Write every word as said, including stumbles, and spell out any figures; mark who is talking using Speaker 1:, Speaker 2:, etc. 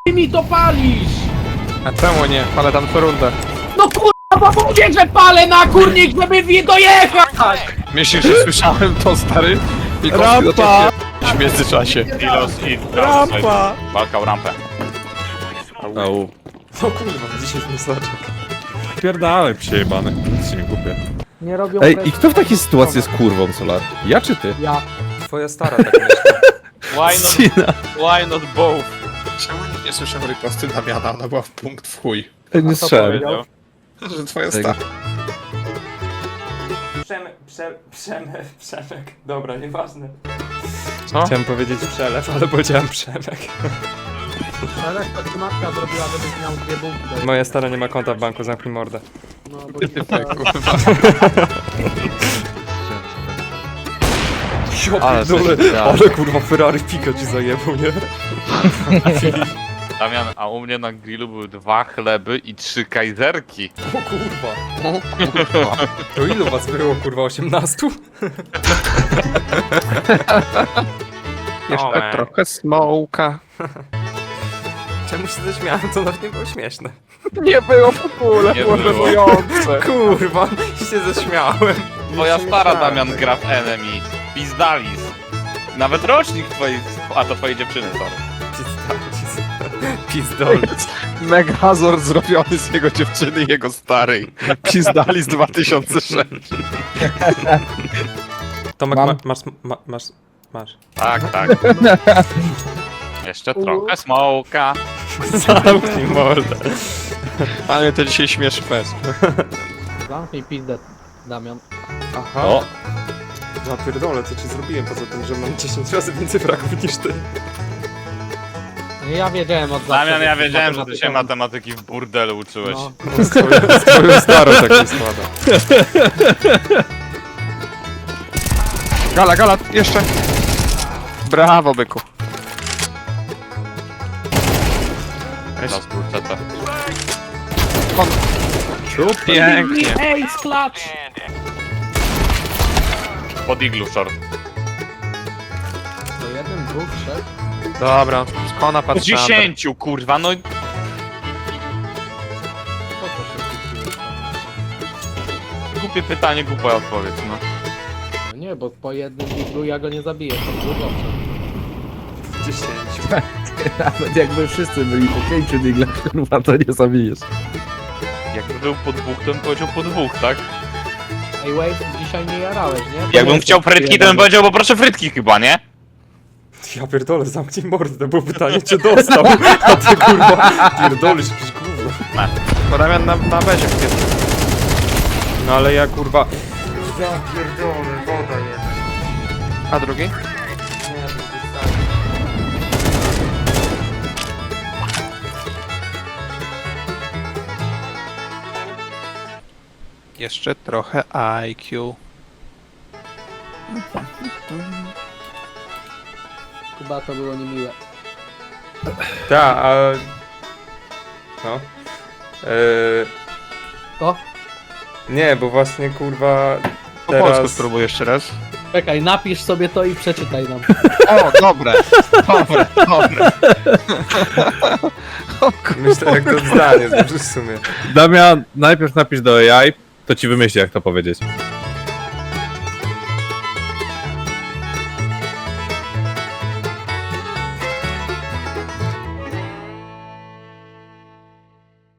Speaker 1: mi to palisz?
Speaker 2: A czemu nie? Ale tam co rundę.
Speaker 1: No kurwa, bo mówię, że palę na kurnik, żeby w dojechać!
Speaker 2: Myślisz, że słyszałem to, stary?
Speaker 3: Rampa!
Speaker 2: W międzyczasie.
Speaker 4: Ilos i
Speaker 3: Rampa!
Speaker 4: walka o rampę.
Speaker 2: Au.
Speaker 3: O kurwa, dzisiaj mi znaczek. Pierdalaj, przejebany. Nic się nie kupię.
Speaker 1: Nie robią
Speaker 5: Ej,
Speaker 1: presji.
Speaker 5: i kto w takiej sytuacji jest kurwą, Solar? Ja czy ty?
Speaker 1: Ja.
Speaker 3: Twoja stara tak myśli.
Speaker 4: Why not,
Speaker 5: Cina.
Speaker 4: why not both?
Speaker 2: Czemu nikt nie słyszał riposty Damiana? Ona była w punkt w chuj.
Speaker 5: Nie strzelałem.
Speaker 4: Powiedział.
Speaker 2: Że twoja
Speaker 5: Tego.
Speaker 2: stara.
Speaker 3: Przemek, prze, przemek, przemek. Dobra, nieważne.
Speaker 2: Co?
Speaker 3: Chciałem powiedzieć przelew, ale powiedziałem przemek.
Speaker 1: Ale to ci matka zrobiła, żebyś miał dwie bułki do
Speaker 3: Moja stara nie ma konta w banku, zamknij mordę.
Speaker 1: No, bo
Speaker 2: Ty, kurwa.
Speaker 3: Ale,
Speaker 5: Ale
Speaker 3: ale kurwa Ferrari Pika ci zajebał, nie?
Speaker 4: Damian, a u mnie na grillu były dwa chleby i trzy kajzerki.
Speaker 3: O kurwa. To ilu was było kurwa? osiemnastu?
Speaker 2: Jeszcze
Speaker 4: man.
Speaker 2: trochę smoka.
Speaker 3: Czemu się zaśmiałem? To nawet nie było śmieszne.
Speaker 2: Nie było w ogóle,
Speaker 4: Nie
Speaker 2: było
Speaker 4: było.
Speaker 2: żenujące.
Speaker 3: Kurwa, się zaśmiałem.
Speaker 4: Twoja
Speaker 3: Nie
Speaker 4: stara,
Speaker 3: śmieszałem.
Speaker 4: Damian, gra w Enemy. Pizdalis. Nawet rocznik twojej... A to twojej dziewczyny, sorry.
Speaker 3: Pizdol.
Speaker 2: Megazord zrobiony z jego dziewczyny i jego starej. Pizdali z dwa tysiące sześć.
Speaker 3: Tomek,
Speaker 1: Mam.
Speaker 3: ma, masz, ma, masz, masz.
Speaker 4: Tak, tak. Jeszcze trochę smoka.
Speaker 3: Zamknij mordę.
Speaker 2: Ale to dzisiaj śmiesz fest.
Speaker 1: Zamknij pizdę, Damian.
Speaker 3: Aha.
Speaker 5: O,
Speaker 3: Ja pierdolę, co ci zrobiłem, poza tym, że mam dziesięć razy więcej fragów niż ty.
Speaker 1: Ja wiedziałem od zawsze.
Speaker 4: Damian, ja
Speaker 1: że
Speaker 4: wiedziałem, że ty się
Speaker 1: matematyką-
Speaker 4: matematyki w burdelu uczyłeś.
Speaker 1: No.
Speaker 3: Z twoją, z twoją starą tak się składa.
Speaker 2: Gala, gala, jeszcze. Brawo, byku.
Speaker 4: Teraz kurczę to.
Speaker 2: Pięknie.
Speaker 1: Ej, sklacz!
Speaker 4: Pod iglu short.
Speaker 1: To jeden, dwóch, trzech.
Speaker 2: Dobra, skona
Speaker 4: Po
Speaker 2: patrzę.
Speaker 4: dziesięciu, kurwa, no...
Speaker 1: Po co się wkupiłeś?
Speaker 4: Głupie pytanie, głupia odpowiedź, no.
Speaker 1: No nie, bo po jednym diglu ja go nie zabiję, to było dobrze.
Speaker 3: dziesięć.
Speaker 5: nawet jakby wszyscy byli po pięciu diglach, kurwa, to nie zabijesz.
Speaker 4: Jakby był po dwóch, to bym powiedział po dwóch, tak?
Speaker 1: Ej, Wave, dzisiaj nie jarałeś, nie? Bo
Speaker 4: Jakbym
Speaker 1: nie
Speaker 4: chciał
Speaker 1: jesteś
Speaker 4: frytki, to
Speaker 1: jeden.
Speaker 4: bym powiedział poproszę frytki chyba, nie?
Speaker 3: Ja pierdolę, zamknij mordę, to było pytanie, czy dostał. A ty kurwa, pierdolisz jakieś gówno.
Speaker 2: Bo Damian na, na bezie jest.
Speaker 3: No ale ja kurwa... Ja pierdolę, woda jeden.
Speaker 2: A drugi?
Speaker 3: Nie, to jest tak.
Speaker 2: Jeszcze trochę I Q.
Speaker 1: Chyba to było niemiłe.
Speaker 3: Tak, a... No. Eee...
Speaker 1: To?
Speaker 3: Nie, bo właśnie kurwa...
Speaker 2: Po polsku
Speaker 3: Teraz...
Speaker 2: spróbuj jeszcze raz.
Speaker 1: Czekaj, napisz sobie to i przeczytaj nam.
Speaker 2: O, dobre, dobre, dobre.
Speaker 3: Myślę, jak to zdanie złożysz w sumie.
Speaker 5: Damian, najpierw napisz do A I, to ci wymyśli, jak to powiedzieć.